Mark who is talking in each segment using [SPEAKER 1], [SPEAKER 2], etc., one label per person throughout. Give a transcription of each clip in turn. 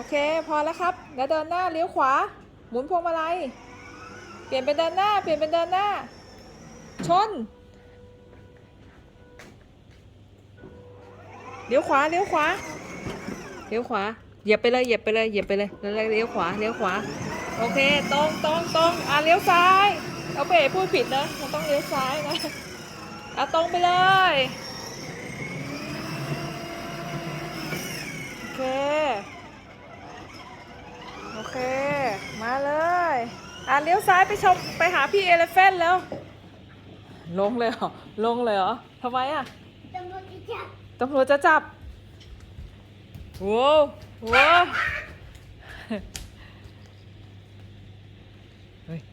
[SPEAKER 1] เคพอแล้วครับแล้วเดินหน้าเลี้ยวขวาหมุนพวงมาลัยเปลี่ยนเป็นเดินหน้าชนเลี้ยวขวาเหยียบไปเลยแล้วเลี้ยวขวาโอเคตรงเลี้ยวซ้ายเอาเป๋พูดผิดนะมันต้องเลี้ยวซ้ายนะตรงไปเลยโอเคมาเลยเลี้ยวซ้ายไปหาพี่เอเลฟเฟนแล้วลงเลยเหรอทำไมตำรวจจะจับโว้เฮ้ย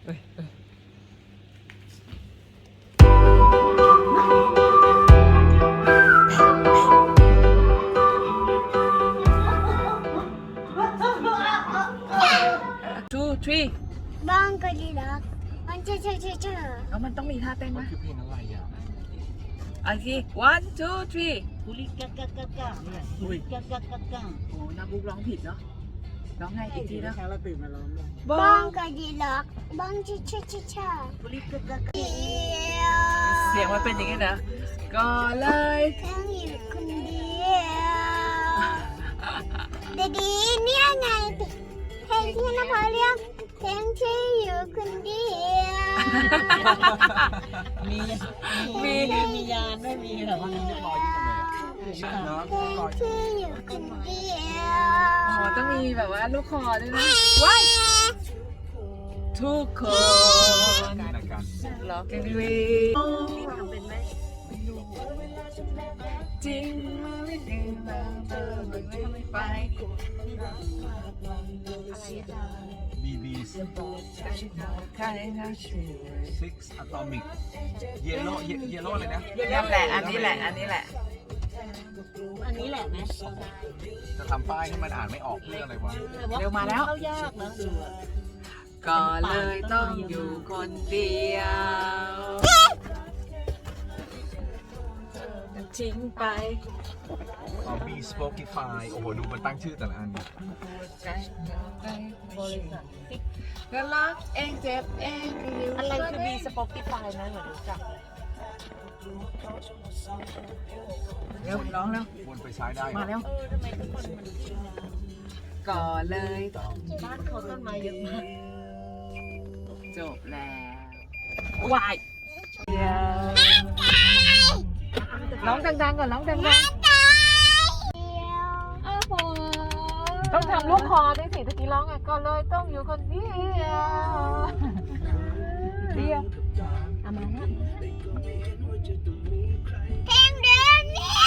[SPEAKER 1] two three
[SPEAKER 2] บ้องก็ดีแล้วมันเชื่อ
[SPEAKER 1] แล้วมันต้องมีท่าเต้นไหม
[SPEAKER 3] คือเพลงอะไรอ่ะ
[SPEAKER 1] อีกที one two three
[SPEAKER 4] กุลิกะกะกะกะเนี่ยกุลิกะกะกะกะ
[SPEAKER 1] โอ้นาบุ๊กร้องผิดเนาะร้องไงอีกทีนะ
[SPEAKER 4] เช้าเราตื่นมาร้องเลย
[SPEAKER 2] บ้องก็ดีแล้วบ้องเชื่อ
[SPEAKER 4] กุลิกะกะกะ
[SPEAKER 1] เสียงมันเป็นอย่างนี้นะก็เลย
[SPEAKER 2] แค่อยู่คนเดียวดีเนี่ยไงเพลงที่นภาเรียกเพลงที่อยู่คนเดียว
[SPEAKER 4] มียานไม่มีหรอวะ
[SPEAKER 3] ลอยอยู่ตรงไหนอ่ะเนาะ
[SPEAKER 2] เพลง
[SPEAKER 3] ลอย
[SPEAKER 2] ที่อยู่คนเดียว
[SPEAKER 1] ต้องมีแบบว่าลูกคอด้วยนะว้ายทุกคน
[SPEAKER 3] ในการ
[SPEAKER 1] ร้องกันดี
[SPEAKER 4] นี่ทำเป็นไหม
[SPEAKER 1] จริงไม่จริงเราเจอไม่ไป
[SPEAKER 3] BB
[SPEAKER 1] ใครนะช่วย
[SPEAKER 3] Six Atomic Yellow อะไรนะ
[SPEAKER 1] นั่นแหละอันนี้แหละ
[SPEAKER 4] อันนี้แหละไหม
[SPEAKER 3] จะทำป้ายให้มันอ่านไม่ออกเรื่องอะไรวะ
[SPEAKER 1] เร็วมาแล้ว
[SPEAKER 4] เข้ายากนะดูอะ
[SPEAKER 1] ก็เลยต้องอยู่คนเดียวทิ้งไป
[SPEAKER 3] B Spotify โอ้โห ดูมันตั้งชื่อแต่ละอัน
[SPEAKER 4] บริษัท
[SPEAKER 1] ก็รักเองเจ็บเอง
[SPEAKER 4] อะไรคือ B Spotify นะเหมือนรู้จัก
[SPEAKER 1] เร็วร้องแล้ว
[SPEAKER 3] วนไปซ้ายได้
[SPEAKER 1] มาแล้ว
[SPEAKER 4] ทำไมทุกคนมันชื่อนะ
[SPEAKER 1] ก็เลยต้อง
[SPEAKER 4] บ้านเขาต้นไม้เยอะมาก
[SPEAKER 1] จบแล้ววายเดี๋ยวร้องดังๆก่อนร้องดังๆต้องทำลูกคอด้วยสิตะกี้ร้องอ่ะก็เลยต้องอยู่คนเดียว
[SPEAKER 4] เอามานะ
[SPEAKER 2] เพลงเดิมเนี่ย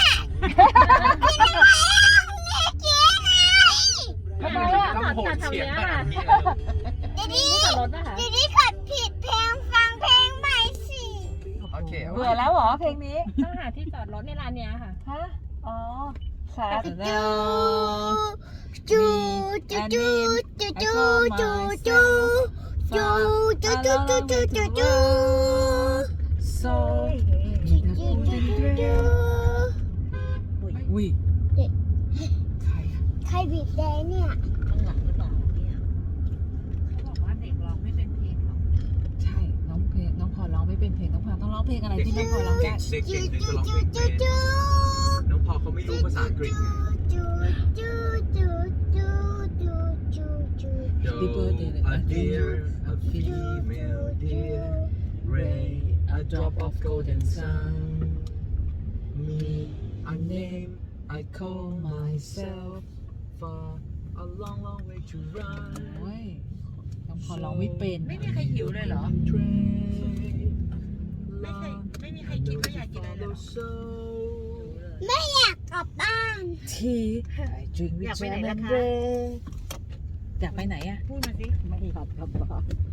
[SPEAKER 1] ทำไมอ่ะ
[SPEAKER 3] ต้องโหดเสียงขนาดนี้
[SPEAKER 2] ดี
[SPEAKER 4] ขับรถนะคะ
[SPEAKER 2] ดีขัดผิดเพลงฟังเพลงใหม่สิ
[SPEAKER 3] โอเค
[SPEAKER 1] เบื่อแล้วเหรอเพลงนี้
[SPEAKER 4] ต้องหาที่จอดรถในร้านเนี้ยค่ะ
[SPEAKER 1] ฮะอ๋อสาธุ
[SPEAKER 2] จูจูจูจูจูจูจูจูจูจูจูจูจูจู
[SPEAKER 1] โซ
[SPEAKER 4] อุ้ย
[SPEAKER 1] อุ้ยใครอ่ะ
[SPEAKER 2] ใครบีบแดงเนี่ย
[SPEAKER 4] ข้างหลังหรือเปล่าเนี่ยเขาบอกว่าเด็กร้องไม่เป็นเพลงหรอก
[SPEAKER 1] ใช่น้องพอร้องไม่เป็นเพลงน้องพอต้องร้องเพลงอะไรที่น้องพอร้องได้
[SPEAKER 3] เด็ก
[SPEAKER 2] จู
[SPEAKER 3] ที่
[SPEAKER 2] จู
[SPEAKER 3] จะร้อง
[SPEAKER 2] จู
[SPEAKER 3] เพลง
[SPEAKER 2] จูจู
[SPEAKER 3] น้องพอเขาไม่รู้ภาษาอังกฤษไง
[SPEAKER 2] จูจูจูจูจูจูจู
[SPEAKER 1] Happy birthday
[SPEAKER 3] A deer a female deer Ray a drop of golden sun Me a name I call myself For a long long way to run
[SPEAKER 1] โอ้ยน้องพอร้องไม่เป็น
[SPEAKER 4] ไม่มีใครหิวเลยเหรอ ไม่มีใครกินไม่อยากกินอะไรเลยเหรอ
[SPEAKER 2] ไม่อยากกลับบ้าน
[SPEAKER 1] ทีI drink with
[SPEAKER 4] อยากไปไหน
[SPEAKER 1] jam
[SPEAKER 4] ล่ะ
[SPEAKER 1] and
[SPEAKER 4] คะ
[SPEAKER 1] bread อยากไปไหนอ่ะ
[SPEAKER 4] พูดมาสิ
[SPEAKER 1] ไม่บอก